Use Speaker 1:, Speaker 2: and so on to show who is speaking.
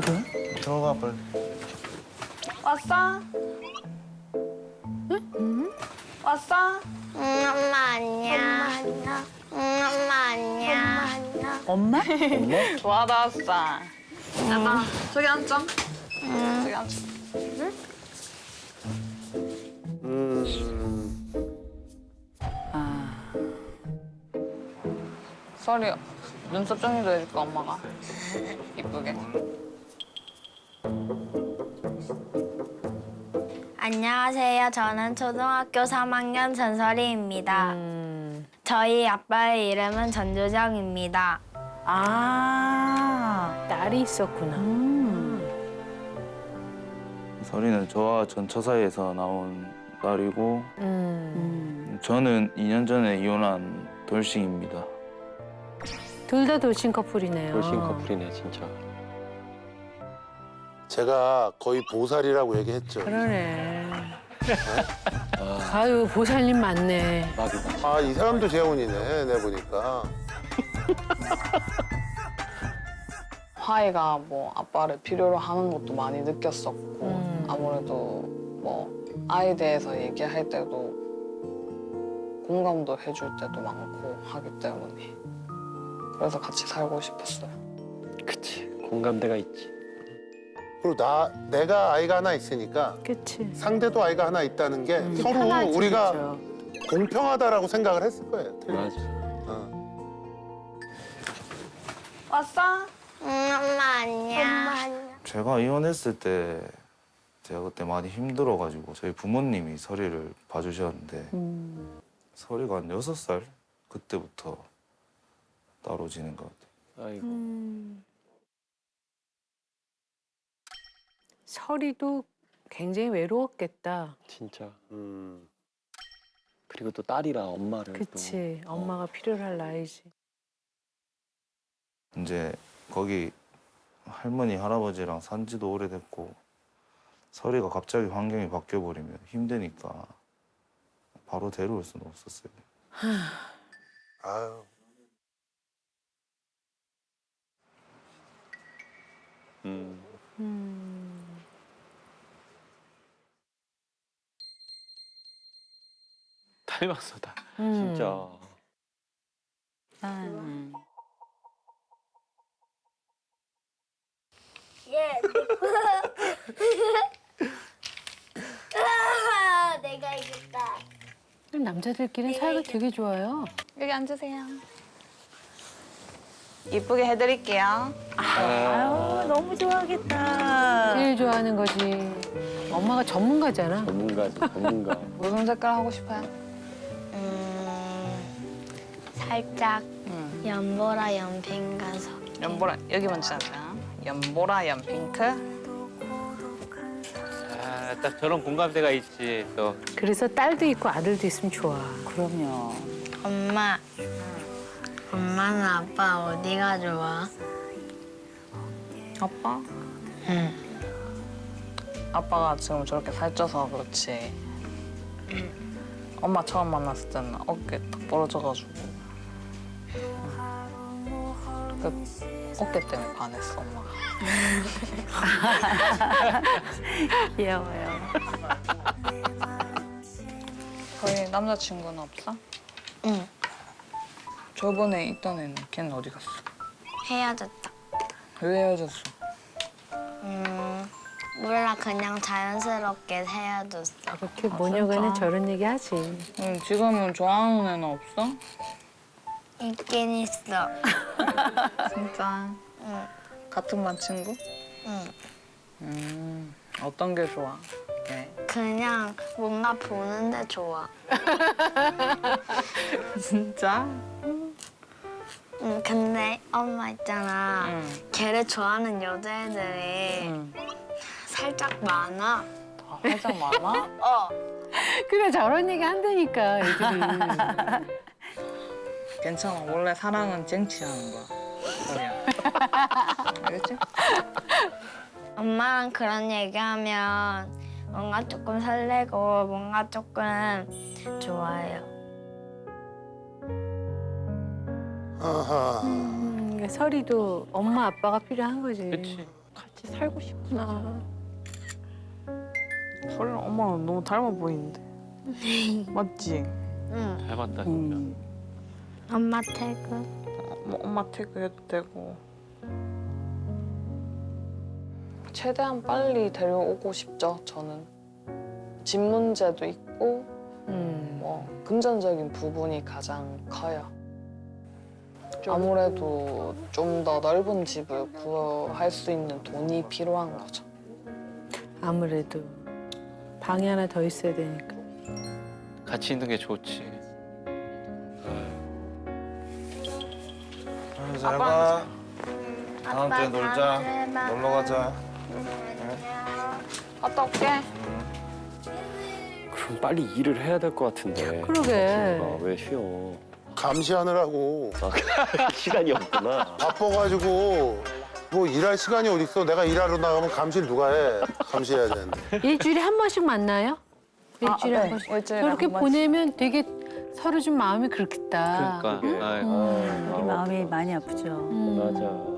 Speaker 1: 그래?
Speaker 2: 들어가 빨리.
Speaker 3: 왔어? 응? 왔어?
Speaker 4: 엄마 안녕. 엄마 안녕.
Speaker 1: 엄마?
Speaker 3: 받았어. 나 저기 앉자. 저기 앉자. 썰이 눈썹 정리도 해줄까 엄마가? 이쁘게.
Speaker 4: 안녕하세요. 저는 초등학교 3학년 전설이입니다. 저희 아빠의 이름은 전조정입니다.
Speaker 1: 아, 딸이 있었구나.
Speaker 2: 설이는 저와 전처 사이에서 나온 딸이고 저는 2년 전에 이혼한 돌싱입니다.
Speaker 1: 둘 다 돌싱 커플이네요.
Speaker 5: 돌싱 커플이네 진짜.
Speaker 6: 제가 거의 보살이라고 얘기했죠.
Speaker 1: 그러네. 아유, 보살님 맞네.
Speaker 5: 막이다.
Speaker 6: 아, 이 사람도 재혼이네, 내 보니까.
Speaker 3: 화이가 뭐 아빠를 필요로 하는 것도 많이 느꼈었고 아무래도 뭐 아이에 대해서 얘기할 때도 공감도 해줄 때도 많고 하기 때문에 그래서 같이 살고 싶었어요.
Speaker 5: 그치. 공감대가 있지.
Speaker 6: 그리고 내가 아이가 하나 있으니까
Speaker 1: 그치.
Speaker 6: 상대도 아이가 하나 있다는 게 서로
Speaker 1: 편하지,
Speaker 6: 우리가
Speaker 1: 그쵸.
Speaker 6: 공평하다라고 생각을 했을 거예요.
Speaker 5: 맞아.
Speaker 3: 왔어?
Speaker 4: 엄마 안녕.
Speaker 2: 제가 이혼했을 때 제가 그때 많이 힘들어가지고 저희 부모님이 설이를 봐주셨는데 설이가 한 6살 그때부터 따로 지낸 것 같아요.
Speaker 5: 아이고.
Speaker 1: 설이도 굉장히 외로웠겠다.
Speaker 5: 진짜. 그리고 또 딸이라 엄마를
Speaker 1: 그치.
Speaker 5: 또.
Speaker 1: 엄마가 필요로 할 나이지.
Speaker 2: 이제 거기 할머니 할아버지랑 산 지도 오래됐고 설이가 갑자기 환경이 바뀌어버리면 힘드니까 바로 데려올 수는 없었어요.
Speaker 6: 아유.
Speaker 5: 닮았어 다. 진짜.
Speaker 4: 예. 내가 이겼다.
Speaker 1: 남자들끼리는 사이가 되게 좋아요.
Speaker 3: 여기 앉으세요. 이쁘게 해드릴게요.
Speaker 1: 아유, 너무 좋아하겠다. 제일 좋아하는 거지. 엄마가 전문가잖아.
Speaker 5: 전문가지 전문가.
Speaker 3: 무슨 색깔 하고 싶어요?
Speaker 4: 살짝 연보라 연핑 가서.
Speaker 3: 연보라 여기 먼저 앉아. 연보라 연핑크.
Speaker 5: 아, 딱 저런 공감대가 있지 또.
Speaker 1: 그래서 딸도 있고 아들도 있으면 좋아.
Speaker 7: 그럼요.
Speaker 4: 엄마. 엄마는 아빠 어디가 좋아?
Speaker 3: 아빠?
Speaker 4: 응.
Speaker 3: 아빠가 지금 저렇게 살쪄서 그렇지. 엄마 처음 만났을 때는 어깨 딱 부러져가지고 그 어깨 때문에 반했어 엄마가.
Speaker 7: 귀여워요.
Speaker 3: 거기 남자친구는 없어?
Speaker 4: 응.
Speaker 3: 저번에 있던 애는 걔는 어디 갔어?
Speaker 4: 헤어졌다.
Speaker 3: 왜 헤어졌어?
Speaker 4: 몰라 그냥 자연스럽게 헤어졌어.
Speaker 1: 그렇게 모녀간에 저런 얘기 하지.
Speaker 3: 응, 지금은 좋아하는 애는 없어?
Speaker 4: 있긴 있어.
Speaker 3: 진짜?
Speaker 4: 응.
Speaker 3: 같은 반 친구?
Speaker 4: 응.
Speaker 3: 어떤 게 좋아? 걔.
Speaker 4: 그냥 뭔가 보는데 좋아.
Speaker 3: 진짜?
Speaker 4: 응, 근데 엄마 있잖아.
Speaker 3: 응.
Speaker 4: 걔를 좋아하는 여자애들이
Speaker 3: 응.
Speaker 4: 살짝 많아.
Speaker 3: 아, 살짝 많아?
Speaker 4: 어.
Speaker 1: 그래, 저런 얘기 한다니까, 애들이.
Speaker 3: 괜찮아. 원래 사랑은 쟁취하는 거야. 그래야. 알겠지?
Speaker 4: 엄마랑 그런 얘기하면 뭔가 조금 설레고 뭔가 조금 좋아요.
Speaker 6: 아하.
Speaker 1: 설이도 엄마 아빠가 필요한 거지.
Speaker 5: 그치.
Speaker 7: 같이 살고 싶구나.
Speaker 3: 설이랑 엄마는 너무 닮아 보이는데. 맞지?
Speaker 4: 응.
Speaker 5: 닮았다 진짜.
Speaker 4: 엄마 퇴근.
Speaker 3: 뭐 엄마 퇴근해도 되고. 최대한 빨리 데려오고 싶죠, 저는. 집 문제도 있고 뭐 금전적인 부분이 가장 커요. 아무래도 좀 더 넓은 집을 구할 수 있는 돈이 필요한 거죠.
Speaker 1: 아무래도 방이 하나 더 있어야 되니까.
Speaker 5: 같이 있는 게 좋지.
Speaker 2: 잘 가. 다음
Speaker 4: 아빠
Speaker 2: 주에 놀자.
Speaker 4: 다음 주에 봐.
Speaker 2: 놀러 가자.
Speaker 3: 갔다 올게.
Speaker 5: 그럼 빨리 일을 해야 될 것 같은데.
Speaker 1: 그러게.
Speaker 5: 왜 쉬어?
Speaker 6: 감시하느라고
Speaker 5: 시간이 없구나.
Speaker 6: 바빠가지고 뭐 일할 시간이 어딨어. 내가 일하러 나가면 감시를 누가 해. 감시해야 되는데.
Speaker 1: 일주일에 한 번씩 만나요? 일주일에 한 번씩.
Speaker 3: 일주일에
Speaker 1: 저렇게
Speaker 3: 한 번씩.
Speaker 1: 보내면 되게 서로 좀 마음이 그렇겠다.
Speaker 5: 그러니까. 아이고.
Speaker 1: 음.
Speaker 7: 우리 마음이 많이 아프죠.
Speaker 1: 음.
Speaker 5: 맞아.